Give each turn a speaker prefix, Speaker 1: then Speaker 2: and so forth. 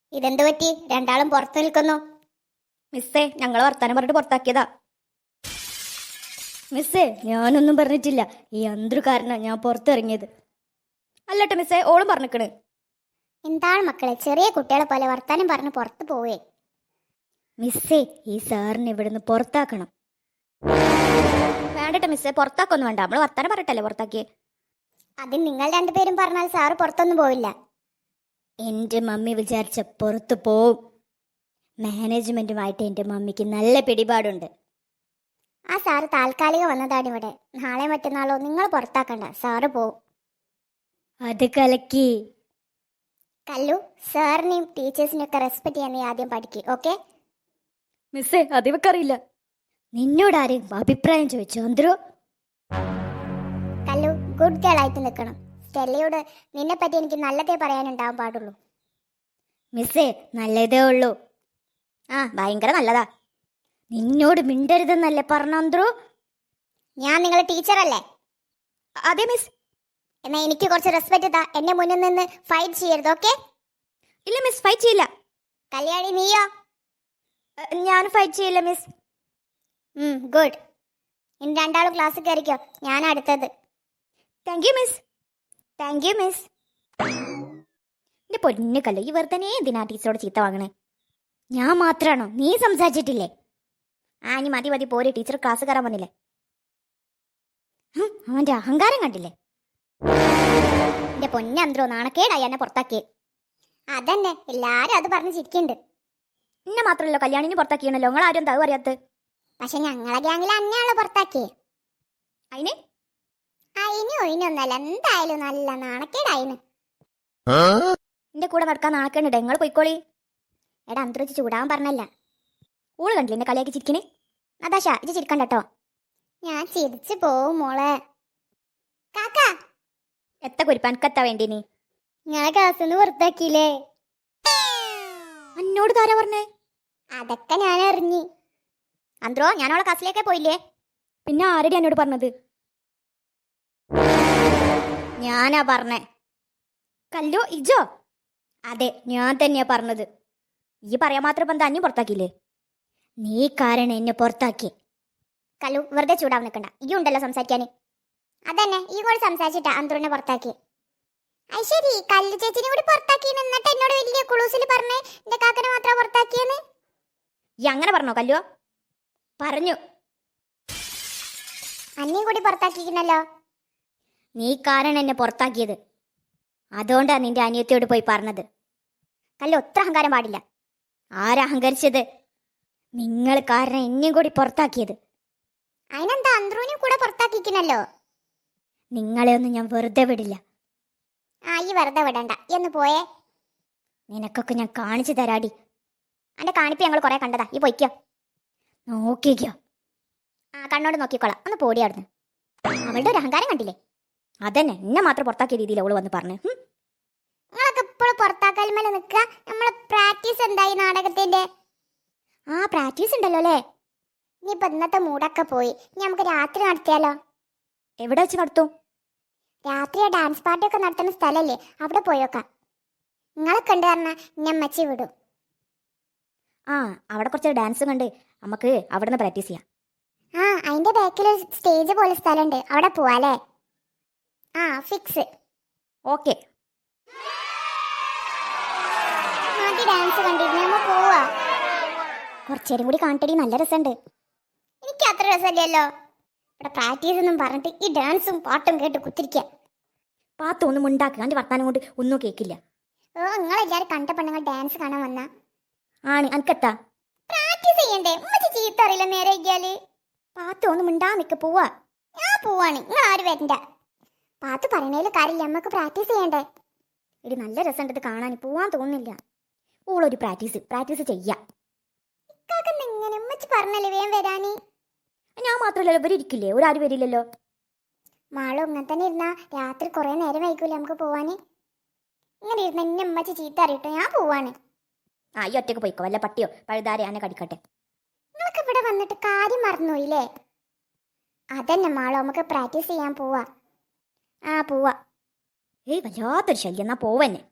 Speaker 1: ഇതെന്ത് പറ്റി? രണ്ടാളും പുറത്തു നിൽക്കുന്നു.
Speaker 2: മിസ്സേ, ഞങ്ങൾ വർത്താനം പറഞ്ഞിട്ട് പുറത്താക്കിയതാ. മിസ്സേ, ഞാനൊന്നും പറഞ്ഞിട്ടില്ല. ഈ അന്ത്രു കാരണം ഞാൻ പുറത്തിറങ്ങിയത്. അല്ലട്ടെ മിസ്സേ, ഓളും പറഞ്ഞിക്കണ്.
Speaker 1: എന്താണ് മക്കളെ, ചെറിയ കുട്ടികളെ പോലെ വർത്താനം പറഞ്ഞ് പുറത്തു പോവേ?
Speaker 2: മിസ്സേ, ഈ സാറിനെ ഇവിടുന്ന് പുറത്താക്കണം. വേണ്ടട്ടെ മിസ്സേ, പുറത്താക്കൊന്നും വേണ്ട. നമ്മള് വർത്താനം പറഞ്ഞിട്ടല്ലേ പുറത്താക്കിയേ.
Speaker 1: അതിന് നിങ്ങൾ രണ്ടുപേരും പറഞ്ഞാൽ സാറ് പുറത്തൊന്നും പോവില്ല.
Speaker 2: എൻ്റെ മമ്മി വിചാരിച്ച പുറത്തു പോവും. മാനേജ്മെന്റുമായിട്ട് എൻ്റെ മമ്മിക്ക് നല്ല പിടിപാടുണ്ട്.
Speaker 1: ആ സാറ് താൽക്കാലികം വന്നതാണ് ഇവിടെ. നാളെ മറ്റന്നാളോ നിങ്ങൾ പുറത്താക്കണ്ട, സാറ് പോവും.
Speaker 2: അത് കലക്കി.
Speaker 1: കല്ലു, സാറിനെയും ടീച്ചേഴ്സിനെയും ഒക്കെ റെസ്പെക്ട് ചെയ്യാൻ നീ ആദ്യം പഠിക്കുക, ഓക്കെ?
Speaker 2: മിസ്സേ, അതിവക്കറിയില്ല. നിന്നോട് ആരെയും അഭിപ്രായം ചോദിച്ചോ അന്ത്രു?
Speaker 1: കല്ലു, ഗുഡ് ഗേൾ ആയിട്ട് നിൽക്കണം. സ്റ്റെല്ലയോട് നിന്നെ പറ്റി എനിക്ക് നല്ലതേ പറയാനുണ്ടാവാൻ പാടുള്ളൂ.
Speaker 2: മിസ്സേ, നല്ലതേ ഉള്ളൂ. ആ, ഭയങ്കര നല്ലതാ. നിന്നോട് മിണ്ടരുതെന്നല്ലേ പറഞ്ഞ അന്ത്രു?
Speaker 1: ഞാൻ നിങ്ങളെ ടീച്ചറല്ലേ?
Speaker 2: അതെ മിസ്.
Speaker 1: എന്നാ എനിക്ക് കുറച്ച് റെസ്പെക്ട് താ. എന്നെ മുന്നിൽ നിന്ന് ഫൈറ്റ് ചെയ്യരുത്, ഓക്കെ?
Speaker 2: ഇല്ല മിസ്, ഫൈറ്റ് ചെയ്യില്ല.
Speaker 1: കല്യാണി, നീയോ?
Speaker 2: ഞാൻ ഫൈറ്റ് ചെയ്യില്ല മിസ്.
Speaker 1: ഗുഡ്. ഇനി രണ്ടാളും ക്ലാസ്സിൽ കയറിക്കോ, ഞാൻ അടുത്തത്.
Speaker 2: Thank you miss. Thank you miss. എന്റെ പൊന്നു കല്ല്, ഈ വെറുതെ എന്തിനാ ടീച്ചറോട് ചീത്ത വാങ്ങണേ? ഞാൻ മാത്രാണോ? നീ സംസാരിച്ചിട്ടില്ലേ? ആ, ഇനി മതി മതി, പോരെ. ടീച്ചർ ക്ലാസ് കയറാൻ വന്നില്ലേ? അവന്റെ അഹങ്കാരം കണ്ടില്ലേ?
Speaker 1: എന്റെ പൊന്നന്ത്രോ, നാണക്കേടായി എന്നെ പുറത്താക്കിയേ. അതന്നെ, എല്ലാരും അത് പറഞ്ഞ് ചിരിക്കുന്നുണ്ട്.
Speaker 2: എന്നെ മാത്രമല്ലോ കല്യാണിനെ പുറത്താക്കിയണല്ലോ. നിങ്ങൾ ആരും എന്താ അറിയാത്ത?
Speaker 1: പക്ഷെ ഞങ്ങളെ ഗ്യാങ്ങിൽ അന്നെയാളെ പുറത്താക്കിയേ.
Speaker 2: അതിന്
Speaker 1: ഒഴിനൊന്നല്ല, എന്തായാലും നല്ല നാണക്കേടായിന്.
Speaker 2: എന്റെ കൂടെ നടക്കാൻ നാണക്കേണ്ട. നിങ്ങൾ പോയിക്കോളി.
Speaker 1: എടാ, അന്തരം വെച്ച് ചൂടാൻ പറഞ്ഞല്ല.
Speaker 2: ഊള് കണ്ടില്ല എന്നെ കളിയാക്കി ചിരിക്കണേ?
Speaker 1: നതാശ, ഇത് ചിരിക്കണ്ട കേട്ടോ. ഞാൻ ചിരിച്ചു പോവും മോളെ. കാക്ക,
Speaker 2: എത്ത കുരിപ്പാൻകത്താ വേണ്ടി നീ?
Speaker 1: ഞാൻ ക്ലാസ്സിന്ന് പുറത്താക്കിയില്ലേ?
Speaker 2: എന്നോട് താരാ പറഞ്ഞേ?
Speaker 1: അതൊക്കെ ഞാൻ അറിഞ്ഞു.
Speaker 2: അന്ത്രോ, ഞാൻ അവളെ ക്ലാസ്സിലേക്കേ പോയില്ലേ? പിന്നെ ആരടി എന്നോട് പറഞ്ഞത്? ഞാനാ പറഞ്ഞേ. കല്ലോ, ഇജോ? അതെ, ഞാൻ തന്നെയാ പറഞ്ഞത്. ഈ പറയാൻ മാത്രം ഇപ്പം തന്നെ പുറത്താക്കിയില്ലേ? നീ കാരണം എന്നെ പുറത്താക്കി.
Speaker 1: കല്ലു, വെറുതെ ചൂടാൻ നിൽക്കണ്ട. ഈ ഉണ്ടല്ലോ സംസാരിക്കാന്. അതന്നെ, ഈ കൂടെ സംസാരിച്ചിട്ടാ അന്തൂറിനെ പുറത്താക്കി. അത് ശരി, കല്ലു ചേച്ചിനെ കൂടി പുറത്താക്കി. എന്നിട്ട് എന്നോട് വലിയ കുളൂസിൽ പറഞ്ഞേ എന്റെ കാക്കനെ മാത്രം പുറത്താക്കിയെന്ന്.
Speaker 2: ഈ അങ്ങനെ പറഞ്ഞോ കല്ലോ? പറഞ്ഞു.
Speaker 1: അന്നേം കൂടി പുറത്താക്കിക്കുന്നല്ലോ.
Speaker 2: നീ കാരണം എന്നെ പുറത്താക്കിയത്. അതുകൊണ്ടാ നിന്റെ അനിയത്തിയോട് പോയി പറഞ്ഞത്. കല്ലോ, ഒത്ര അഹങ്കാരം പാടില്ല. ആരഹങ്കരിച്ചത്? നിങ്ങൾ കാരണം എന്നെയും കൂടി പുറത്താക്കിയത്.
Speaker 1: അതിനെന്താ, അന്ത്രൂനെ കൂടെ പുറത്താക്കിക്കുന്നല്ലോ.
Speaker 2: നിങ്ങളെ ഒന്നും ഞാൻ വെറുതെ വിടില്ല.
Speaker 1: ഈ വെറുതെ വിടണ്ട, എന്ന് പോയേ.
Speaker 2: നിനക്കൊക്കെ ഞാൻ കാണിച്ചു തരാടി.
Speaker 1: അന്റെ കാണിപ്പ് ഞങ്ങൾ കുറെ കണ്ടതാ. ഈ പൊയ്ക്കോ.
Speaker 2: നോക്കിക്കോ.
Speaker 1: കണ്ണോട് നോക്കിക്കോളാം. ഒന്ന് പോടിയാടുന്നു. അവളുടെ ഒരു അഹങ്കാരം കണ്ടില്ലേ?
Speaker 2: അതന്നെ, എന്നെ മാത്രം പുറത്താക്കിയ രീതിയിൽ അവള് വന്ന് പറഞ്ഞു.
Speaker 1: നിങ്ങളൊക്കെ ഇപ്പോഴും പുറത്താക്കൽ മേലെ നിൽക്കുക. നമ്മളെ പ്രാക്ടീസ് എന്തായി നാടകത്തിന്റെ?
Speaker 2: പ്രാക്ടീസ് ഉണ്ടല്ലോ അല്ലേ?
Speaker 1: ഇനിയിപ്പോ ഇന്നത്തെ മൂടൊക്കെ പോയി. ഇനി നമുക്ക് രാത്രി നടത്തിയാലോ?
Speaker 2: എവിടെ വെച്ച് നടത്തും?
Speaker 1: രാത്രി ഡാൻസ് പാർട്ടി ഒക്കെ നടത്തുന്ന സ്ഥലല്ലേ, അവിടെ പോയോക്കാം. നിങ്ങളൊക്കെ ഉണ്ട് പറഞ്ഞാൽ ഞാൻ അമ്മച്ചി വിടും.
Speaker 2: അവിടെ കുറച്ച് ഡാൻസ് കണ്ട് നമുക്ക് അവിടെ നിന്ന് പ്രാക്ടീസ് ചെയ്യാം.
Speaker 1: അതിന്റെ ബാക്കിൽ ഒരു സ്റ്റേജ് പോലെ സ്ഥലമുണ്ട്, അവിടെ പോവാല്ലേ? ഫിക്സ്.
Speaker 2: ഓക്കെ.
Speaker 1: ഡാൻസ് കണ്ടിരുന്നു, നമ്മ പോവാ.
Speaker 2: കുറച്ചേരും കൂടി കാണിട്ടടി, നല്ല രസമുണ്ട്.
Speaker 1: എനിക്ക് അത്ര രസമല്ലല്ലോ. ഇവിടെ പ്രാക്ടീസ് എന്നും പറഞ്ഞിട്ട് ഈ ഡാൻസും പാട്ടും കേട്ട് കുത്തിരിക്കുക.
Speaker 2: പാത്തൊന്നും ഉണ്ടാക്കുക. അതിന്റെ വർത്താനം കൊണ്ട് ഒന്നും കേൾക്കില്ല.
Speaker 1: നിങ്ങളെല്ലാരും കണ്ട പെണ്ണുങ്ങൾ ഡാൻസ് കാണാൻ വന്ന
Speaker 2: അനക്കെത്താ?
Speaker 1: പ്രാക്ടീസ് ചെയ്യണ്ടേ? ചീത്ത അറിയില്ല നേരെ ഇരിക്കാല്.
Speaker 2: പാത്തൊന്നും ഉണ്ടാ നിക്ക. പോവാ.
Speaker 1: ഞാൻ പോവാണ്, നിങ്ങൾ ആരും വരണ്ട. പാത്ത് പറയണേല് കാര്യമില്ല, നമ്മക്ക് പ്രാക്ടീസ് ചെയ്യണ്ടേ?
Speaker 2: ഇടി, നല്ല രസമുണ്ട് കാണാൻ. പോവാൻ തോന്നുന്നില്ല. ഓളൊരു പ്രാക്ടീസ് ചെയ്യാം.
Speaker 1: ഇങ്ങനെ ഉമ്മച്ചി പറഞ്ഞല്ലേ വേഗം വരാന്.
Speaker 2: ഞാൻ മാത്രമല്ലല്ലോ, ഇവര് ഇരിക്കില്ലേ? ഒരാരും വരില്ലല്ലോ.
Speaker 1: മാളും ഇങ്ങനെ തന്നെ ഇരുന്നാ രാത്രി കുറെ നേരം വൈകൂലേ നമുക്ക് പോവാന്? ഇങ്ങനെ ഇരുന്ന എന്നെ ഉമ്മച്ചി ചീത്ത അറിയട്ടോ. ഞാൻ പോവാണ്.
Speaker 2: ഈ ഒറ്റക്ക് പോയിക്കോ. വല്ല പട്ടിയോ പഴുതാരെ എന്നെ കടിക്കട്ടെ.
Speaker 1: നിങ്ങൾക്ക് ഇവിടെ വന്നിട്ട് കാര്യം മറന്നുപോയില്ലേ? അതന്നെ മാളോ, നമുക്ക് പ്രാക്ടീസ് ചെയ്യാൻ പോവാ.
Speaker 2: പോവാ. വല്ലാത്തൊരു ശല്യം. എന്നാ പോവന്നെ.